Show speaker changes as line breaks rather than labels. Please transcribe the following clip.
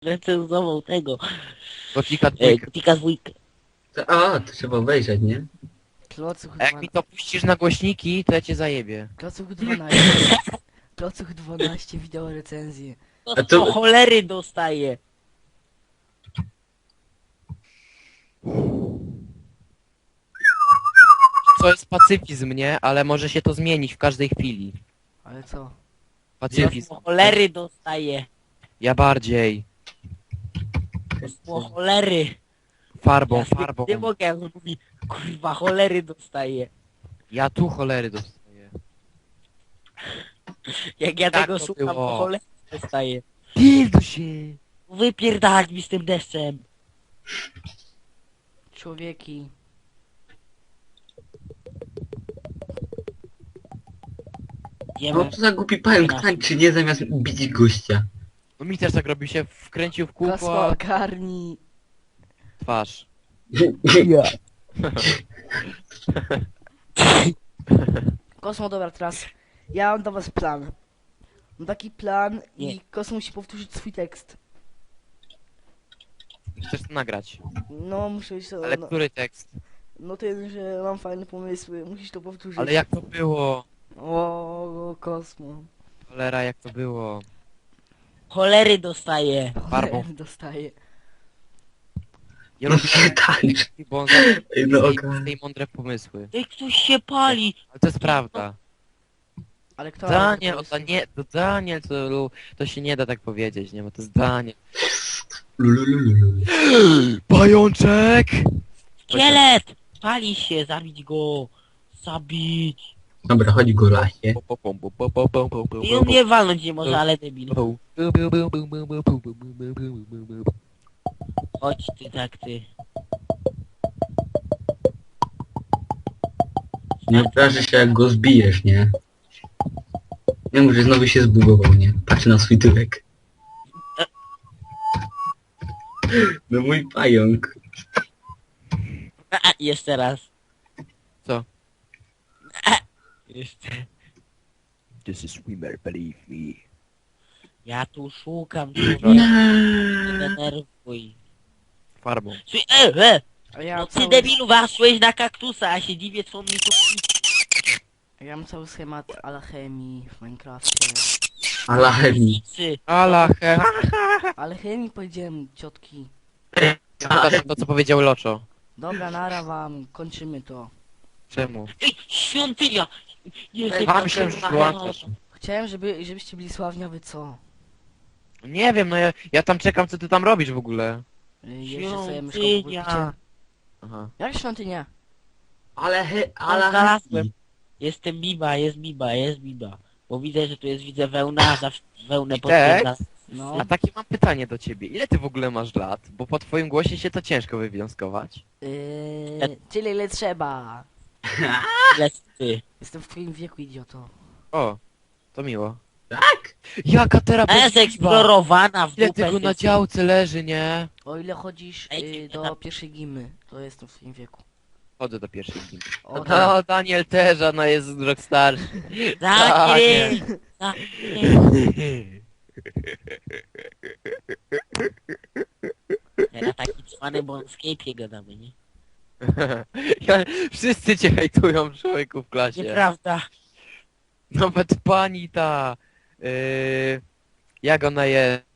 recenzował tego.
Gotika dwójkę.
Gotika dwójkę.
A, to trzeba obejrzeć, nie?
Klocuch
A jak
12.
mi to puścisz na głośniki, to ja cię zajebię.
Klocuch 12. Klocuch 12 wideo recenzję.
To
A to-
po cholery dostaje.
To jest pacyfizm, nie? Ale może się to zmienić w każdej chwili.
Ale co?
To
Pacyfizm.
po cholery dostaje.
Ja bardziej.
To po cholery.
Farbą,
Ja
farbą.
nie mogę, jak on mówi, kurwa, cholery dostaje.
Ja tu cholery dostaję.
Jak ja
Tak
tego
to
słucham,
było.
to cholery dostaje.
Pilduj się!
Wypierdalać mi z tym deszczem.
Człowieki.
No
Wiemy.
to za głupi pająk tańczy, nie zamiast bić gościa.
No mi też tak robi się, wkręcił w kółko,
Kosmo,
a
ogarnij.
twarz.
Kosmo, dobra, teraz ja mam do was plan. Mam taki plan
Nie.
i Kosmo musi powtórzyć swój tekst.
Chcesz to nagrać.
No, muszę się...
Ale
No,
który tekst?
no ten, że mam fajne pomysły, musisz to powtórzyć.
Ale jak to było?
O, Kosmo.
Cholera, jak to było?
Cholery dostaje.
Farbą.
Dostaję.
Ja
No
lubię
nie tańcz.
bo on zawsze
Ej, no
ma
ogarnij.
tej mądre pomysły.
Ej, ktoś się pali.
Ale to jest prawda.
Ale kto...
Daniel,
ma
to nie, to Daniel, to się nie da tak powiedzieć, nie? Bo to jest Daniel.
Lulululu.
Pajączek!
Szkielet! Pali się, zabić go. Zabić.
Dobra, chodź go lasie.
I on mnie walnąć nie może, ale debil. Chodź ty, tak ty.
Nie obrażę się jak go zbijesz, nie? Nie mów, że znowu się zbugował, nie? Patrzę na swój tyłek. No mój pająk.
Jeszcze raz.
Co?
Jeszcze.
This is swimmer, believe me.
Ja tu szukam,
Nie.
nie denerwuj.
Farbą.
A ja
No
mam
ty
cały...
debilu waszłeś na kaktusa, a się dziwię co on mi tu...
Ja mam cały schemat alchemii w Minecrafcie.
Alachemi.
Alache.
Alchemii powiedziałem, ciotki.
To co powiedział Loczo.
Dobra, nara wam, kończymy to.
Czemu?
Ej, świątynia! Jezu,
A myślałem, że wyłączasz.
Chciałem, żebyście byli sławni, a wy co?
Nie wiem, no ja tam czekam, co ty tam robisz w ogóle.
Jeszcze sobie myszką
Świątynia!
powiedzcie.
Aha.
Jak świątynia?
Znalazłem. Jestem Biba, jest Biba, jest Biba. Bo widzę, że tu jest, widzę wełna, zawsze wełnę potwierdza.
No.
A takie mam pytanie do ciebie. Ile ty w ogóle masz lat? Bo po twoim głosie się to ciężko wywnioskować.
Tyle ile trzeba.
Ile ty.
Jestem w twoim wieku, idioto.
O, to miło.
Tak?
Jaka
A
terapia?
jest eksplorowana w
Ile
dupę.
tego na działce leży, nie?
O ile chodzisz
Ej,
do pierwszej gimy, to jestem w twoim wieku.
Chodzę do pierwszej gimy.
O, tak.
No, Daniel też, ona jest rok starszy.
Zakryj! Zakryj! Ja taki cwany, bo on w Skype'ie gadamy, nie?
Wszyscy cię hejtują, człowieku, w klasie.
Nieprawda.
Nawet pani ta... jak ona jest?